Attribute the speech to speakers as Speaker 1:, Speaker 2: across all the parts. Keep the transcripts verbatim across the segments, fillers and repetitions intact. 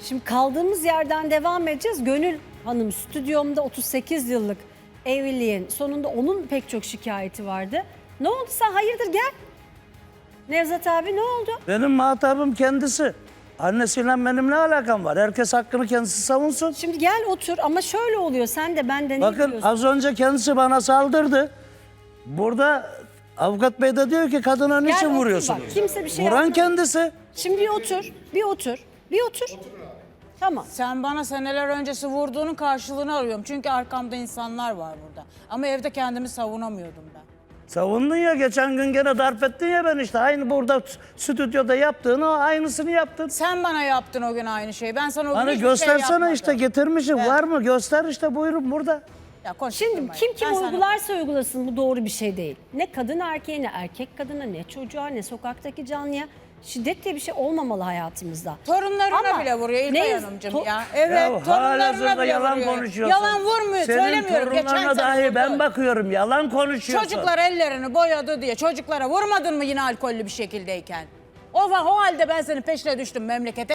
Speaker 1: Şimdi kaldığımız yerden devam edeceğiz. Gönül Hanım stüdyomda otuz sekiz yıllık evliliğin sonunda onun pek çok şikayeti vardı. Ne oldu sen hayırdır gel. Nevzat abi ne oldu?
Speaker 2: Benim muhatabım kendisi. Annesiyle benim ne alakam var? Herkes hakkını kendisi savunsun.
Speaker 1: Şimdi gel otur ama şöyle oluyor sen de benden iyi
Speaker 2: Bakın
Speaker 1: biliyorsun.
Speaker 2: az önce kendisi bana saldırdı. Burada avukat bey de diyor ki kadına
Speaker 1: Gel
Speaker 2: niçin
Speaker 1: otur
Speaker 2: vuruyorsunuz?
Speaker 1: bak, kimse bir şey
Speaker 2: Vuran
Speaker 1: yapmadı.
Speaker 2: kendisi.
Speaker 1: Şimdi bir otur, bir otur, bir otur. Tamam.
Speaker 3: Sen bana seneler öncesi vurduğunun karşılığını arıyorum. Çünkü arkamda insanlar var burada. Ama evde kendimi savunamıyordum ben.
Speaker 2: Savundun ya geçen gün gene darp ettin ya ben işte. Aynı burada stüdyoda yaptığını aynısını yaptın.
Speaker 3: Sen bana yaptın o gün aynı şeyi. Ben sana o gün
Speaker 2: Hani
Speaker 3: hiçbir şey
Speaker 2: göstersene
Speaker 3: yapmadım.
Speaker 2: işte getirmişim.
Speaker 3: Evet.
Speaker 2: Var mı? Göster işte buyurun burada.
Speaker 3: Ya konuş
Speaker 1: Şimdi
Speaker 3: durmayın.
Speaker 1: kim kim
Speaker 3: Ben sana-
Speaker 1: uygularsa uygulasın bu doğru bir şey değil. Ne kadın erkeğe, ne erkek kadına, ne çocuğa, ne sokaktaki canlıya şiddet diye bir şey olmamalı hayatımızda.
Speaker 3: Torunlarına
Speaker 1: Ama
Speaker 3: bile vuruyor İlkay
Speaker 1: ne-
Speaker 3: Hanımcığım
Speaker 1: to-
Speaker 3: ya. Evet
Speaker 2: Ya
Speaker 3: torunlarına
Speaker 2: halihazırda
Speaker 3: bile
Speaker 2: yalan
Speaker 3: vuruyor.
Speaker 2: konuşuyorsun.
Speaker 3: Yalan vurmuyor
Speaker 2: Senin
Speaker 3: söylemiyorum. Geçen
Speaker 2: torunlarına
Speaker 3: sene
Speaker 2: dahi
Speaker 3: vurdu.
Speaker 2: ben bakıyorum. Yalan konuşuyorsun.
Speaker 3: Çocuklar ellerini boyadı diye çocuklara vurmadın mı yine alkollü bir şekildeyken? O, o halde ben senin peşine düştüm memlekete.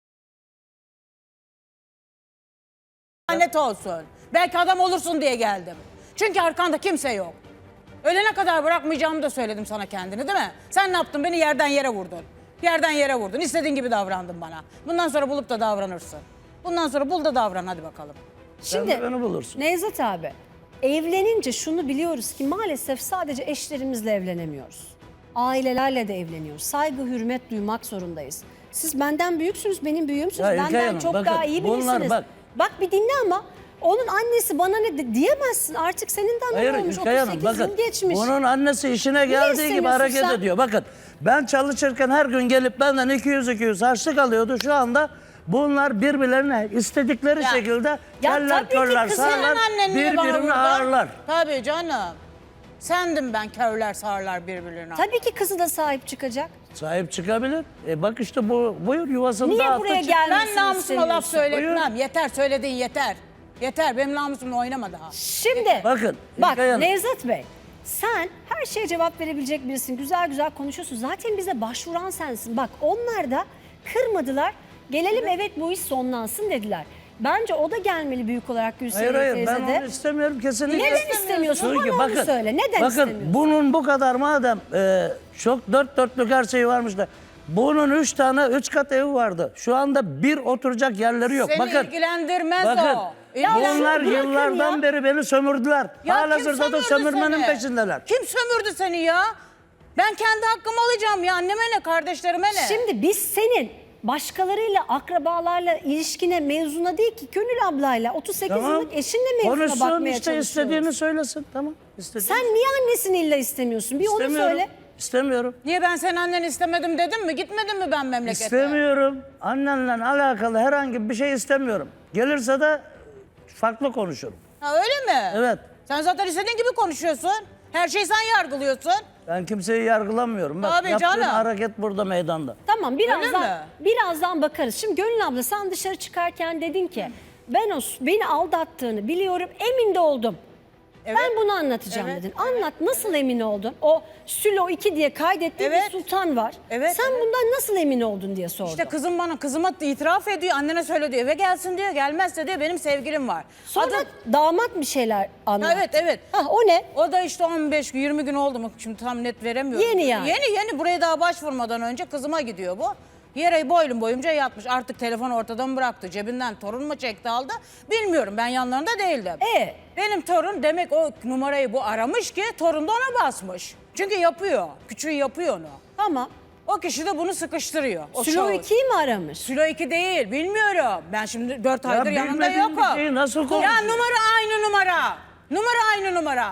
Speaker 3: Lanet olsun. Belki adam olursun diye geldim. Çünkü arkanda kimse yok. Ölene kadar bırakmayacağımı da söyledim sana kendini değil mi? Sen ne yaptın? Beni yerden yere vurdun. Yerden yere vurdun. İstediğin gibi davrandın bana. Bundan sonra bulup da davranırsın. Bundan sonra bul da davran hadi bakalım.
Speaker 2: Sen de beni bulursun.
Speaker 1: Nevzat abi, evlenince şunu biliyoruz ki maalesef sadece eşlerimizle evlenemiyoruz. Ailelerle de evleniyoruz. Saygı, hürmet duymak zorundayız. Siz benden büyüksünüz, benim büyüğümsünüz.
Speaker 2: Ya İlkay
Speaker 1: Benden
Speaker 2: Hanım,
Speaker 1: çok
Speaker 2: bakın,
Speaker 1: daha iyi
Speaker 2: bunlar
Speaker 1: bilirsiniz.
Speaker 2: bak-
Speaker 1: Bak bir dinle ama onun annesi bana ne de- diyemezsin. Artık senin de annen
Speaker 2: Hayır
Speaker 1: olmuş.
Speaker 2: İlkay Hanım
Speaker 1: otuz sekiz
Speaker 2: bakın
Speaker 1: yıl geçmiş.
Speaker 2: bunun annesi işine geldiği gibi
Speaker 1: istemiyorsun
Speaker 2: hareket
Speaker 1: sen?
Speaker 2: ediyor. Bakın ben çalışırken her gün gelip benden iki yüz iki yüz harçlık alıyordu. Şu anda bunlar birbirlerine istedikleri
Speaker 3: Ya-
Speaker 2: şekilde
Speaker 1: Ya
Speaker 2: keller
Speaker 1: tabii ki
Speaker 2: körler
Speaker 1: kızın
Speaker 2: sağlar
Speaker 3: annen niye bana
Speaker 2: birbirini
Speaker 3: vurdu?
Speaker 2: ağırlar.
Speaker 3: Tabii canım. Sendim ben körler sağırlar birbirlerine.
Speaker 1: Tabii ki kızı da sahip çıkacak.
Speaker 2: Sahip çıkabilir. E bak işte bu buyur yuvasını
Speaker 1: Niye
Speaker 2: dağıttı.
Speaker 1: buraya
Speaker 2: çık-
Speaker 1: gelmesini
Speaker 3: Ben namusuma laf
Speaker 1: istemiyorsun?
Speaker 3: söyletmem. Yeter söylediğin yeter. Yeter benim namusumla oynama daha.
Speaker 1: Şimdi
Speaker 2: Bakın,
Speaker 1: bak
Speaker 2: İlkay Hanım.
Speaker 1: Nevzat Bey sen her şeye cevap verebilecek birisin. Güzel güzel konuşuyorsun. Zaten bize başvuran sensin. Bak onlar da kırmadılar. Gelelim evet bu iş sonlansın dediler. Bence o da gelmeli büyük olarak Gülseren
Speaker 2: Hayır hayır
Speaker 1: teyze
Speaker 2: ben
Speaker 1: de.
Speaker 2: onu istemiyorum kesinlikle.
Speaker 1: Neden istemiyorsun?
Speaker 2: Çünkü
Speaker 1: Bana onu söyle. Neden
Speaker 2: bakın,
Speaker 1: istemiyorsun?
Speaker 2: bunun bu kadar madem e, çok dört dörtlük her şeyi varmış da bunun üç tane üç kat evi vardı. Şu anda bir oturacak yerleri yok.
Speaker 3: Seni
Speaker 2: bakın,
Speaker 3: ilgilendirmez
Speaker 2: bakın,
Speaker 3: o. İlgilendirmez.
Speaker 2: bunlar
Speaker 1: bırakın
Speaker 2: yıllardan
Speaker 1: ya.
Speaker 2: beri beni sömürdüler.
Speaker 3: Ya kim
Speaker 2: Halihazırda da
Speaker 3: sömürdü
Speaker 2: sömürmenin
Speaker 3: seni?
Speaker 2: peşindeler.
Speaker 3: Kim sömürdü seni ya? Ben kendi hakkımı alacağım ya. Anneme ne, kardeşlerime ne?
Speaker 1: Şimdi biz senin başkalarıyla, akrabalarla ilişkine mevzuna değil ki Gönül ablayla otuz sekiz yıllık eşinle mevzuna
Speaker 2: Konuşsun
Speaker 1: bakmaya
Speaker 2: işte
Speaker 1: çalışıyoruz.
Speaker 2: istediğini söylesin. Tamam. istediğini.
Speaker 1: Sen niye annesini illa istemiyorsun? Bir onu
Speaker 2: İstemiyorum.
Speaker 1: söyle.
Speaker 2: İstemiyorum.
Speaker 3: Niye ben senin anneni istemedim dedim mi? Gitmedim mi ben memlekete?
Speaker 2: İstemiyorum. Annenle alakalı herhangi bir şey istemiyorum. Gelirse de farklı konuşurum.
Speaker 3: Ha öyle mi?
Speaker 2: Evet.
Speaker 3: Sen zaten istediğin gibi konuşuyorsun. Her şeyi sen yargılıyorsun.
Speaker 2: Ben kimseyi yargılamıyorum. Bak,
Speaker 3: Tabii
Speaker 2: yaptığın
Speaker 3: canım.
Speaker 2: hareket burada meydanda.
Speaker 1: Tamam birazdan
Speaker 3: mi?
Speaker 1: birazdan bakarız. Şimdi Gönül abla sen dışarı çıkarken dedin ki ben o beni aldattığını biliyorum emin de oldum.
Speaker 3: Evet.
Speaker 1: Ben bunu anlatacağım
Speaker 3: Evet,
Speaker 1: dedin. Anlat nasıl emin oldun? O Sülo iki diye kaydettiğin
Speaker 3: Evet.
Speaker 1: bir sultan var.
Speaker 3: Evet,
Speaker 1: Sen
Speaker 3: evet.
Speaker 1: bundan nasıl emin oldun diye sordum.
Speaker 3: İşte kızım bana kızıma itiraf ediyor. Annene söyle diyor. Eve gelsin diyor. Gelmezse diyor benim sevgilim var.
Speaker 1: Sonra
Speaker 3: Adı-
Speaker 1: damat bir şeyler anlattı.
Speaker 3: Evet evet.
Speaker 1: Hah, o ne?
Speaker 3: O da işte on beş gün yirmi gün oldu mu şimdi tam net veremiyorum.
Speaker 1: Yeni yani.
Speaker 3: Yeni yeni buraya daha başvurmadan önce kızıma gidiyor bu. Yere boylum boyunca yatmış. Artık telefonu ortadan bıraktı. Cebinden torun mu çekti aldı bilmiyorum. Ben yanlarında değildim.
Speaker 1: E?
Speaker 3: Benim torun demek o numarayı bu aramış ki torun da ona basmış. Çünkü yapıyor. Küçüğü yapıyor onu.
Speaker 1: Tamam.
Speaker 3: O kişi de bunu sıkıştırıyor. O
Speaker 1: Sülo
Speaker 3: şahıs.
Speaker 1: ikiyi mi aramış?
Speaker 3: Sülo iki değil bilmiyorum. Ben şimdi dört aydır yanında
Speaker 2: bilmediğin bir
Speaker 3: yokum.
Speaker 2: şeyi nasıl
Speaker 3: Ya
Speaker 2: konuşuyorsun?
Speaker 3: numara aynı numara. Numara aynı numara.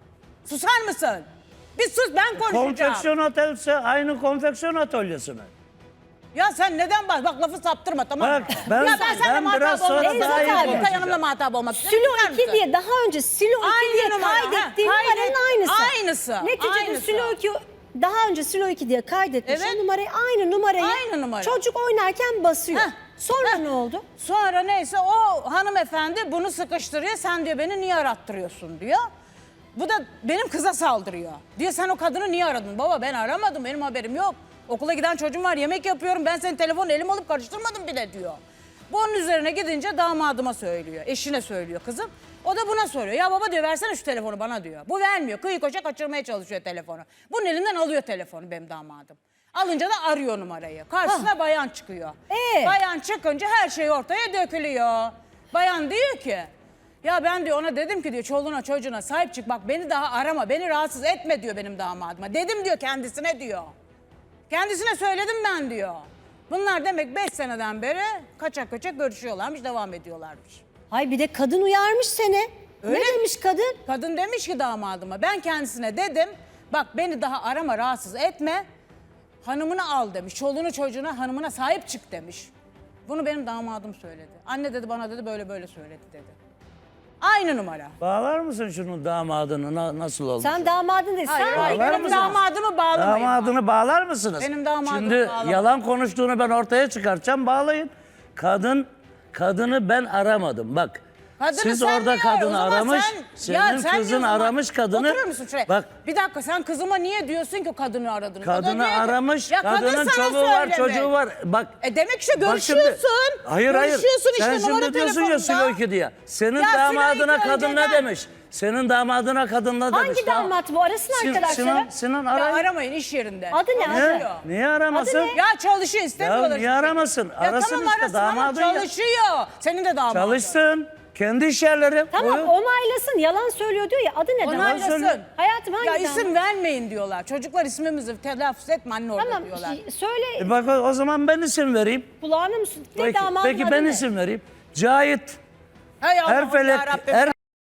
Speaker 3: Susar mısın? Bir sus ben konuşacağım.
Speaker 2: Konfeksiyon otelse aynı konfeksiyon atölyesi mi?
Speaker 3: Ya sen neden bak bak lafı saptırma tamam mı?
Speaker 2: Bak, ben-
Speaker 3: ya ben seninle
Speaker 2: ben
Speaker 3: muhatap
Speaker 2: biraz
Speaker 3: olmak
Speaker 2: sonra
Speaker 3: istiyorum.
Speaker 1: daha iyi
Speaker 3: Zaten
Speaker 1: konuşacağım.
Speaker 3: yanımla muhatap olmak istiyorum.
Speaker 1: Silo
Speaker 3: Susar
Speaker 1: iki
Speaker 3: mısın?
Speaker 1: diye daha önce Silo iki
Speaker 3: Aynı
Speaker 1: diye
Speaker 3: numara, ha,
Speaker 1: kaydettiğin
Speaker 3: kaydet-
Speaker 1: numaranın aynısı.
Speaker 3: aynısı,
Speaker 1: Neticede
Speaker 3: aynısı.
Speaker 1: Silo iki daha önce Silo iki diye kaydetmiş
Speaker 3: Evet.
Speaker 1: o numarayı aynı numarayı
Speaker 3: Aynı numara.
Speaker 1: çocuk oynarken basıyor.
Speaker 3: Heh,
Speaker 1: Sonra
Speaker 3: heh.
Speaker 1: ne oldu?
Speaker 3: Sonra neyse o hanımefendi bunu sıkıştırıyor. Sen diyor beni niye arattırıyorsun diyor. Bu da benim kıza saldırıyor. Diyor sen o kadını niye aradın? Baba ben aramadım benim haberim yok. Okula giden çocuğum var yemek yapıyorum ben senin telefonu elim alıp karıştırmadım bile diyor. Bu onun üzerine gidince damadıma söylüyor. Eşine söylüyor kızım. O da buna soruyor. Ya baba diyor versene şu telefonu bana diyor. Bu vermiyor. Kıyı koşa kaçırmaya çalışıyor telefonu. Bunun elinden alıyor telefonu benim damadım. Alınca da arıyor numarayı. Karşısına bayan çıkıyor.
Speaker 1: Ee?
Speaker 3: Bayan çıkınca her şey ortaya dökülüyor. Bayan diyor ki ya ben diyor ona dedim ki diyor çoluğuna çocuğuna sahip çık bak beni daha arama beni rahatsız etme diyor benim damadıma. Dedim diyor kendisine diyor. Kendisine söyledim ben diyor. Bunlar demek beş seneden beri kaçak kaçak görüşüyorlarmış devam ediyorlarmış.
Speaker 1: Ay bir de kadın uyarmış seni.
Speaker 3: Öyle.
Speaker 1: Ne demiş kadın?
Speaker 3: Kadın demiş ki damadıma ben kendisine dedim bak beni daha arama rahatsız etme. Hanımını al demiş. Çoluğunu çocuğuna hanımına sahip çık demiş. Bunu benim damadım söyledi. Anne dedi bana dedi böyle böyle söyledi dedi. Aynı numara.
Speaker 2: Bağlar mısın şunun damadını na- nasıl oldu?
Speaker 1: Sen damadın dedi.
Speaker 3: Hayır,
Speaker 1: Sen
Speaker 3: hayır,
Speaker 2: bağlar
Speaker 3: benim
Speaker 2: mısınız?
Speaker 3: damadımı bağlamayın.
Speaker 2: Damadını bağlar mısınız?
Speaker 3: Benim damadımı
Speaker 2: Şimdi
Speaker 3: bağlamam.
Speaker 2: yalan konuştuğunu ben ortaya çıkartacağım, bağlayın. Kadın, kadını ben aramadım bak.
Speaker 3: Kadını
Speaker 2: Siz
Speaker 3: sen
Speaker 2: orada
Speaker 3: niye
Speaker 2: kadını
Speaker 3: o zaman
Speaker 2: aramış,
Speaker 3: sen-
Speaker 2: senin
Speaker 3: ya sen
Speaker 2: kızın
Speaker 3: diyorsun,
Speaker 2: aramış
Speaker 3: bak,
Speaker 2: kadını.
Speaker 3: Oturur musun şuraya?
Speaker 2: Bak
Speaker 3: Bir dakika sen kızıma niye diyorsun ki kadını aradın? O da
Speaker 2: kadını
Speaker 3: diyor ki,
Speaker 2: aramış,
Speaker 3: ya kadın
Speaker 2: kadının
Speaker 3: sana
Speaker 2: çoluğu var,
Speaker 3: söyleme.
Speaker 2: çocuğu var. Bak.
Speaker 3: E demek işte
Speaker 2: bak şimdi-
Speaker 3: görüşüyorsun.
Speaker 2: hayır hayır.
Speaker 3: Görüşüyorsun işte
Speaker 2: Sen
Speaker 3: numara
Speaker 2: şimdi diyorsun ya
Speaker 3: telefonda.
Speaker 2: Süloki diye. Senin
Speaker 3: Ya
Speaker 2: damadına
Speaker 3: Süloki
Speaker 2: kadın ne
Speaker 3: önceden-
Speaker 2: demiş? Senin damadına kadın ne demiş?
Speaker 1: hangi
Speaker 2: Tamam.
Speaker 1: damat bu? Arasın
Speaker 2: Sin-
Speaker 1: arkadaşları.
Speaker 2: Sinan, Sinan
Speaker 3: Ya
Speaker 2: arayın.
Speaker 3: aramayın iş yerinde.
Speaker 1: Adı ne, adı?
Speaker 3: Çalışıyor.
Speaker 2: Niye aramasın?
Speaker 1: Adı ne?
Speaker 3: Ya çalışıyor istemiyorlar.
Speaker 2: Ya niye
Speaker 3: işte.
Speaker 2: aramasın?
Speaker 3: Ya
Speaker 2: Arasın
Speaker 3: tamam
Speaker 2: işte,
Speaker 3: arasın ama
Speaker 2: damadın ya.
Speaker 3: çalışıyor. Senin de damadın.
Speaker 2: Çalışsın. Kendi iş yerleri.
Speaker 1: Tamam
Speaker 2: Buyur.
Speaker 1: onaylasın. Yalan söylüyor diyor ya. Adı ne damat?
Speaker 3: Onaylasın.
Speaker 2: söyle.
Speaker 1: Hayatım hangi
Speaker 3: Ya
Speaker 1: damat?
Speaker 3: isim vermeyin diyorlar. Çocuklar ismimizi telaffuz etme anne orada
Speaker 1: Tamam
Speaker 3: diyorlar.
Speaker 1: söyle
Speaker 2: E bak o o zaman ben isim vereyim.
Speaker 1: kulağına mı? su- Ne
Speaker 2: Peki,
Speaker 1: damadın
Speaker 2: peki
Speaker 1: adı
Speaker 2: ben
Speaker 1: ne?
Speaker 2: isim vereyim. Cahit
Speaker 3: Hay Allah'ım
Speaker 2: Erfelek
Speaker 3: yarabbim.
Speaker 2: Er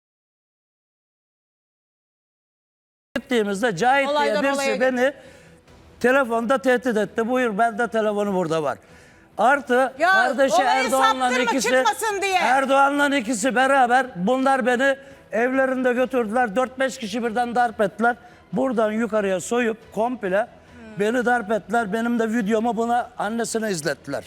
Speaker 2: gittiğimizde Cahit
Speaker 3: Olaydan
Speaker 2: diye
Speaker 3: olaya
Speaker 2: birisi beni telefonda tehdit etti. Buyur bende telefonu burada var. Artı
Speaker 3: Ya,
Speaker 2: kardeşi
Speaker 3: olayı
Speaker 2: Erdoğan'la
Speaker 3: saptırma,
Speaker 2: ikisi
Speaker 3: çıkmasın diye.
Speaker 2: Erdoğan'la ikisi beraber bunlar beni evlerinde götürdüler. dört beş kişi birden darp ettiler. Buradan yukarıya soyup komple beni darp ettiler. Benim de videomu buna annesine izlettiler.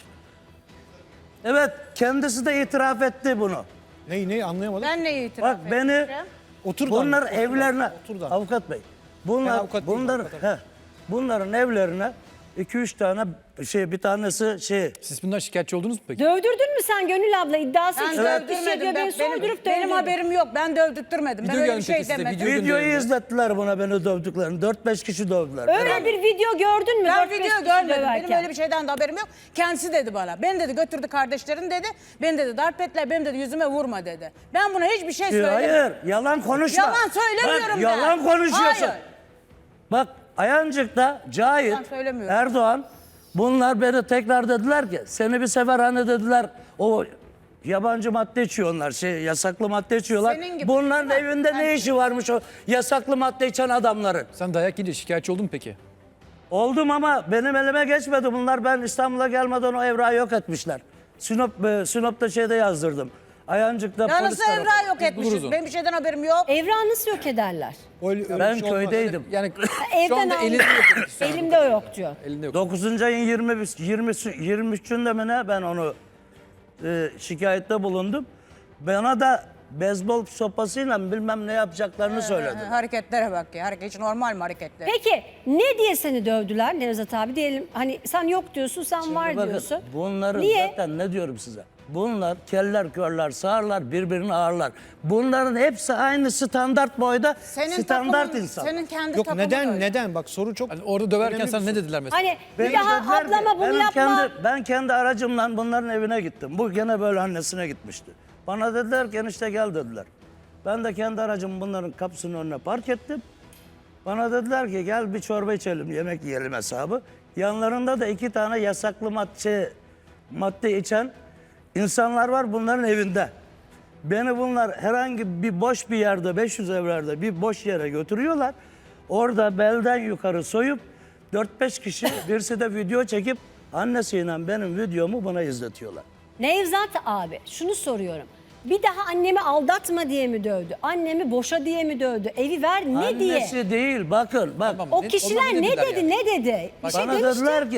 Speaker 2: Evet kendisi de itiraf etti bunu.
Speaker 4: Neyi neyi anlayamadım.
Speaker 3: Ben neyi itiraf
Speaker 2: Bak beni
Speaker 3: edeceğim?
Speaker 4: Otur da
Speaker 2: bunlar
Speaker 4: anlat, otur da,
Speaker 2: evlerine
Speaker 4: otur da.
Speaker 2: avukat bey.
Speaker 4: Ben
Speaker 2: Bunlar
Speaker 4: avukat değilim,
Speaker 2: bunlar
Speaker 4: avukat
Speaker 2: he, bunların evlerine iki üç tane şey bir tanesi şey
Speaker 5: Siz bundan şikayetçi oldunuz mu peki?
Speaker 1: Dövdürdün mü sen Gönül abla iddiası
Speaker 3: Ben
Speaker 1: için?
Speaker 3: dövdürmedim.
Speaker 1: Hissediyor,
Speaker 3: Ben,
Speaker 1: beni
Speaker 3: benim,
Speaker 1: soydurup
Speaker 3: benim
Speaker 1: dövdürdün.
Speaker 3: haberim yok. Ben dövdürtmedim. Ben
Speaker 5: Video
Speaker 3: öyle bir
Speaker 5: gelmiş
Speaker 3: şey
Speaker 5: peki size,
Speaker 3: demedim.
Speaker 5: video
Speaker 2: videoyu
Speaker 5: gönderildi.
Speaker 2: izlettiler buna beni dövdüklerini. dört beş kişi dövdüler.
Speaker 1: Öyle
Speaker 2: beraber.
Speaker 1: bir video gördün mü?
Speaker 3: Ben
Speaker 1: Dört beş
Speaker 3: video
Speaker 1: kişi
Speaker 3: görmedim. Benim
Speaker 1: döverken.
Speaker 3: öyle bir şeyden de haberim yok. Kendisi dedi bana. Beni dedi götürdü kardeşlerin dedi. Beni dedi darp ettiler. Benim dedi yüzüme vurma dedi. Ben buna hiçbir şey
Speaker 2: Ee,
Speaker 3: söylemedim.
Speaker 2: Hayır yalan konuşma.
Speaker 3: Yalan söylemiyorum
Speaker 2: Bak,
Speaker 3: ben.
Speaker 2: yalan konuşuyorsun.
Speaker 3: Hayır.
Speaker 2: Bak Ayancık'ta Cahit,
Speaker 3: Ben söylemiyorum.
Speaker 2: Erdoğan bunlar beni tekrar dediler ki seni bir sefer hani dediler o yabancı madde içiyorlar şey yasaklı madde içiyorlar.
Speaker 3: Senin gibi.
Speaker 2: Bunların
Speaker 3: Bak,
Speaker 2: evinde ne işi varmış o yasaklı madde içen adamların?
Speaker 5: Sen dayak yiyince şikayetçi oldun mu peki?
Speaker 2: Oldum ama benim elime geçmedi bunlar. Ben İstanbul'a gelmeden o evrağı yok etmişler. Sinop, e, Sinop'ta şeyde yazdırdım. Ayancık'ta
Speaker 3: Ya
Speaker 2: polis
Speaker 3: nasıl
Speaker 2: tarafı.
Speaker 3: evrağı yok
Speaker 5: Biz
Speaker 3: etmişiz?
Speaker 5: buluruz onu.
Speaker 3: Benim bir şeyden haberim yok.
Speaker 1: Evrağı nasıl yok ederler?
Speaker 4: Öyle- öyle
Speaker 2: Ben
Speaker 4: bir şey olmaz.
Speaker 2: köydeydim.
Speaker 5: Yani
Speaker 1: Evden
Speaker 5: şu anda
Speaker 1: aldım.
Speaker 5: elinde yok. peki şu anda.
Speaker 1: Elimde o yok diyor.
Speaker 5: Elinde yok.
Speaker 2: dokuzuncu ayın yirmi, yirmi, yirmi üçünde mi ne ben onu e, şikayette bulundum. Bana da beyzbol sopasıyla bilmem ne yapacaklarını söyledi.
Speaker 3: Ha, hareketlere bak ya. Hareket hiç normal mi hareketler?
Speaker 1: Peki ne diye seni dövdüler Nevzat abi? Diyelim hani sen yok diyorsun, sen var
Speaker 2: Bakın,
Speaker 1: diyorsun.
Speaker 2: bunların
Speaker 1: Niye?
Speaker 2: zaten ne diyorum size? Bunlar keller körler sağırlar birbirini ağırlar. Bunların hepsi aynı standart boyda
Speaker 3: Senin
Speaker 2: standart
Speaker 3: takımın,
Speaker 2: insan.
Speaker 3: Senin kendi
Speaker 4: Yok
Speaker 3: takımın
Speaker 4: neden
Speaker 3: öyle.
Speaker 4: neden bak soru çok
Speaker 5: Hani orada döverken
Speaker 4: önemli
Speaker 5: sana
Speaker 4: bir
Speaker 5: ne
Speaker 4: soru.
Speaker 5: dediler mesela?
Speaker 1: Hani
Speaker 2: Beni
Speaker 1: bir daha
Speaker 2: dediler ki,
Speaker 1: ablama bunu
Speaker 2: benim
Speaker 1: yapma.
Speaker 2: Kendi, ben kendi aracımla bunların evine gittim. Bu gene böyle annesine gitmişti. Bana dediler ki enişte gel dediler. Ben de kendi aracımı bunların kapısının önüne park ettim. Bana dediler ki gel bir çorba içelim, yemek yiyelim hesabı. Yanlarında da iki tane yasaklı madde, madde içen insanlar var bunların evinde. Beni bunlar herhangi bir boş bir yerde, beş yüz evlerde bir boş yere götürüyorlar. Orada belden yukarı soyup dört beş kişi birisi de video çekip annesiyle benim videomu bana izletiyorlar.
Speaker 1: Nevzat abi şunu soruyorum. Bir daha annemi aldatma diye mi dövdü? Annemi boşa diye mi dövdü? Evi ver ne diye?
Speaker 2: Annesi değil bakın bak.
Speaker 5: Tamam.
Speaker 1: O
Speaker 5: Ne-
Speaker 1: kişiler
Speaker 5: onlar ne
Speaker 1: ne
Speaker 5: dediler
Speaker 1: dedi
Speaker 5: yani?
Speaker 1: ne dedi? Bir şey
Speaker 2: Bana
Speaker 1: demişti.
Speaker 2: dediler ki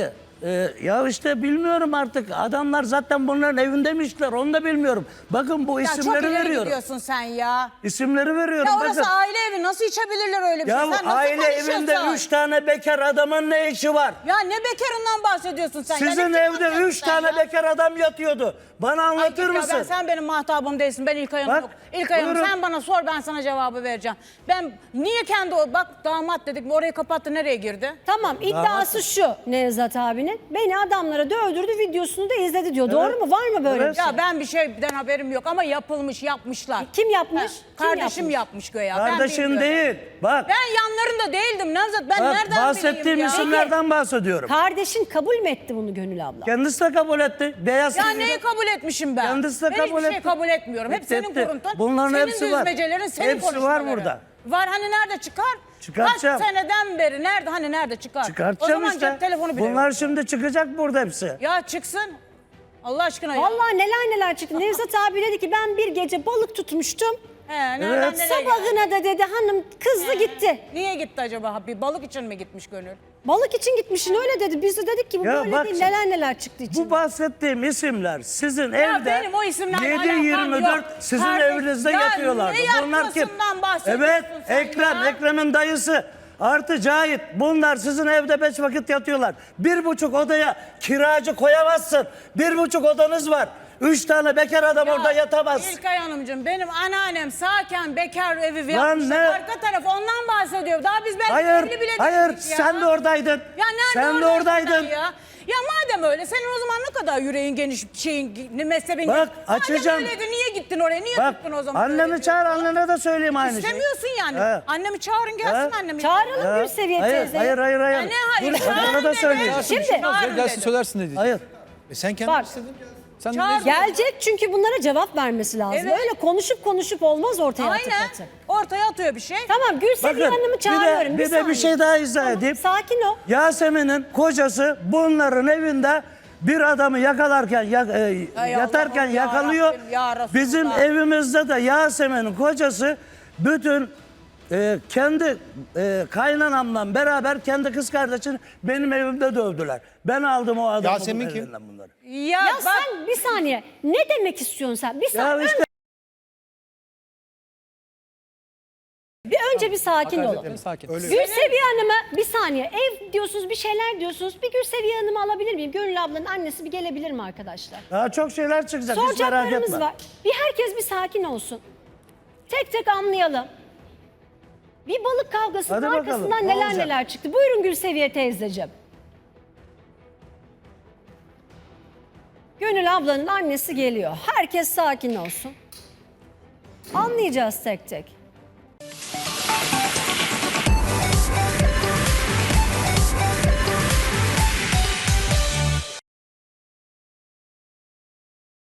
Speaker 2: Ee, ya işte bilmiyorum artık. Adamlar zaten bunların evindeymişler. Onu da bilmiyorum. Bakın bu
Speaker 3: Ya çok
Speaker 2: isimleri
Speaker 3: ileri
Speaker 2: veriyorum.
Speaker 3: gidiyorsun sen ya.
Speaker 2: İsimleri veriyorum.
Speaker 3: Ya orası
Speaker 2: Bakın.
Speaker 3: aile evi. Nasıl içebilirler öyle bir
Speaker 2: Ya
Speaker 3: şey? Sen nasıl
Speaker 2: aile
Speaker 3: konuşuyorsun?
Speaker 2: evinde üç tane bekar adamın ne işi var?
Speaker 3: Ya ne bekarından bahsediyorsun sen? Ya
Speaker 2: Sizin
Speaker 3: ne
Speaker 2: evde
Speaker 3: bahsediyorsun
Speaker 2: üç
Speaker 3: sen
Speaker 2: tane
Speaker 3: ya?
Speaker 2: bekar adam yatıyordu. Bana
Speaker 3: Ay
Speaker 2: anlatır
Speaker 3: git ya,
Speaker 2: mısın?
Speaker 3: Ben, sen benim mahtabım değilsin. Ben İlkay Hanım
Speaker 2: Bak,
Speaker 3: yok. İlkay Hanım
Speaker 2: buyurun.
Speaker 3: sen bana sor, ben sana cevabı vereceğim. Ben niye kendi o bak damat dedik mi orayı kapattı, nereye girdi?
Speaker 1: Tamam, iddiası şu Nevzat abinin. Beni adamlara dövdürdü, videosunu da izledi diyor. Doğru mu? Var mı böyle
Speaker 2: Evet.
Speaker 1: bir şey?
Speaker 3: Ya ben bir şeyden haberim yok ama yapılmış, yapmışlar.
Speaker 1: Kim yapmış?
Speaker 3: Ha,
Speaker 1: Kim
Speaker 3: Kardeşim
Speaker 1: yapmış?
Speaker 3: yapmış göya. Ben
Speaker 2: Kardeşin
Speaker 3: bilmiyorum.
Speaker 2: değil. Bak,
Speaker 3: Ben yanlarında değildim Nevzat. Ben
Speaker 2: bak
Speaker 3: nereden
Speaker 2: bahsettiğim
Speaker 3: bileyim ya?
Speaker 2: isimlerden bahsediyorum.
Speaker 1: Kardeşin kabul mü etti bunu Gönül abla?
Speaker 2: Kendisi de kabul etti. Beyaz
Speaker 3: Ya
Speaker 2: T V'de
Speaker 3: neyi kabul etmişim ben?
Speaker 2: Kendisi de
Speaker 3: ben
Speaker 2: kabul
Speaker 3: hiçbir şey
Speaker 2: etti.
Speaker 3: kabul etmiyorum. Hep
Speaker 2: Etti,
Speaker 3: senin
Speaker 2: etti.
Speaker 3: kuruntun.
Speaker 2: Bunların
Speaker 3: senin
Speaker 2: hepsi var.
Speaker 3: düzmecelerin, senin
Speaker 2: Hepsi var
Speaker 3: konuşmaların.
Speaker 2: burada.
Speaker 3: Var, hani nerede çıkar?
Speaker 2: Çıkartacağım.
Speaker 3: Kaç seneden beri nerede, hani nerede çıkar?
Speaker 2: Çıkartacağım
Speaker 3: o zaman
Speaker 2: işte.
Speaker 3: cep telefonu bile
Speaker 2: Bunlar
Speaker 3: yok.
Speaker 2: şimdi çıkacak burada hepsi.
Speaker 3: Ya çıksın. Allah aşkına ya.
Speaker 1: Vallahi neler neler çıktı. Nevzat abi dedi ki ben bir gece balık tutmuştum.
Speaker 3: He, nereden
Speaker 2: Evet.
Speaker 3: nereye geldi?
Speaker 1: Sabahına da dedi hanım kızdı gitti.
Speaker 3: Niye gitti acaba? Bir balık için mi gitmiş Gönül?
Speaker 1: Balık için gitmişsin öyle dedi. Biz de dedik ki bu
Speaker 2: Ya
Speaker 1: böyle
Speaker 2: bak
Speaker 1: değil.
Speaker 2: şimdi,
Speaker 1: Neler neler çıktı içinden.
Speaker 2: Bu bahsettiğim isimler sizin
Speaker 3: Ya
Speaker 2: evde
Speaker 3: benim o isimlerle
Speaker 2: yedi
Speaker 3: alakam
Speaker 2: yirmi
Speaker 3: yok.
Speaker 2: dört sizin
Speaker 3: Kardeş,
Speaker 2: evinizde
Speaker 3: ya
Speaker 2: yatıyorlardı.
Speaker 3: ne
Speaker 2: Bunlar kim?
Speaker 3: yatmasından bahsediyorsun
Speaker 2: Evet,
Speaker 3: sen
Speaker 2: Ekrem,
Speaker 3: ya?
Speaker 2: Ekrem'in dayısı. Artı Cahit. Bunlar sizin evde beş vakit yatıyorlar. Bir buçuk odaya kiracı koyamazsın. Bir buçuk odanız var. Üç tane bekar adam
Speaker 3: Ya,
Speaker 2: orada yatamaz.
Speaker 3: İlkay Hanımcığım, benim anneannem sağken bekar evi
Speaker 2: Lan
Speaker 3: yapmışlar.
Speaker 2: ne?
Speaker 3: Arka taraf ondan bahsediyor. Daha biz belki
Speaker 2: Hayır,
Speaker 3: evli bile
Speaker 2: hayır.
Speaker 3: değildik ya.
Speaker 2: Sen de oradaydın.
Speaker 3: Ya nerede
Speaker 2: Sen de
Speaker 3: oradaydın
Speaker 2: oradaydın.
Speaker 3: sen Ya? ya madem öyle, senin o zaman ne kadar yüreğin geniş, şeyin, mezhebin
Speaker 2: Bak,
Speaker 3: geniş.
Speaker 2: açacağım.
Speaker 3: Madem öyleydi, niye gittin oraya? Niye
Speaker 2: Bak,
Speaker 3: tuttun o zaman?
Speaker 2: annemi
Speaker 3: öyle
Speaker 2: çağır,
Speaker 3: diyorsun?
Speaker 2: annene de söyleyeyim aynı şeyi.
Speaker 3: İstemiyorsun yani.
Speaker 2: He.
Speaker 3: Annemi çağırın gelsin
Speaker 2: He.
Speaker 3: annemi.
Speaker 1: Çağıralım
Speaker 2: Ha,
Speaker 1: Gülseviye
Speaker 2: hayır,
Speaker 1: teyzeyi.
Speaker 2: hayır, hayır, hayır.
Speaker 3: Ya ne hayır?
Speaker 2: Dur,
Speaker 3: Çağırın
Speaker 2: ona da
Speaker 3: dedi.
Speaker 2: söyleyeceğim.
Speaker 1: Şimdi-
Speaker 3: Çağırın
Speaker 5: Gelsin
Speaker 3: dedi.
Speaker 5: söylersin dedi.
Speaker 2: Hayır.
Speaker 4: E sen kendin
Speaker 1: Bak.
Speaker 4: istedin.
Speaker 5: Sen
Speaker 3: Çağır.
Speaker 5: ne-
Speaker 1: Gelecek çünkü bunlara cevap vermesi lazım.
Speaker 3: Evet.
Speaker 1: Öyle konuşup konuşup olmaz ortaya atıp
Speaker 3: Aynen.
Speaker 1: atıp.
Speaker 3: Ortaya atıyor bir şey.
Speaker 1: Tamam Gülseviye
Speaker 2: Bakın,
Speaker 1: Hanım'ı
Speaker 2: bir de,
Speaker 1: çağırıyorum.
Speaker 2: bir, de bir
Speaker 1: saniye.
Speaker 2: şey daha izah
Speaker 1: Tamam,
Speaker 2: edeyim.
Speaker 1: sakin ol.
Speaker 2: Yasemin'in kocası bunların evinde bir adamı yakalarken ya- e,
Speaker 3: Hay
Speaker 2: yatarken
Speaker 3: Allah'ım, ya
Speaker 2: yakalıyor.
Speaker 3: Rabbim, ya Resulullah.
Speaker 2: Bizim evimizde de Yasemin'in kocası bütün e, kendi e, kaynanamla beraber kendi kız kardeşini benim evimde dövdüler. Ben aldım o adamı
Speaker 4: Yasemin
Speaker 2: bunun
Speaker 4: kim?
Speaker 2: elinden bunları.
Speaker 3: Ya,
Speaker 1: Ya
Speaker 3: bak,
Speaker 1: sen bir saniye ne demek istiyorsun sen? Bir
Speaker 2: Ya
Speaker 1: saniye.
Speaker 2: işte
Speaker 1: Bir önce bir sakin olun.
Speaker 5: Sakin, sakin.
Speaker 1: Gülseviye Hanım'a bir saniye ev diyorsunuz bir şeyler diyorsunuz. Bir Gülseviye Hanım'ı alabilir miyim? Gönül ablanın annesi bir gelebilir mi arkadaşlar?
Speaker 2: daha çok şeyler çıkacak, hiç merak
Speaker 1: Soracaklarımız
Speaker 2: etme.
Speaker 1: var. Bir herkes bir sakin olsun. Tek tek anlayalım. Bir balık kavgasının
Speaker 2: Hadi bakalım,
Speaker 1: arkasından
Speaker 2: ne
Speaker 1: neler
Speaker 2: olacak?
Speaker 1: neler çıktı. Buyurun Gülseviye teyzeciğim. Gönül ablanın annesi geliyor. Herkes sakin olsun. Anlayacağız tek tek.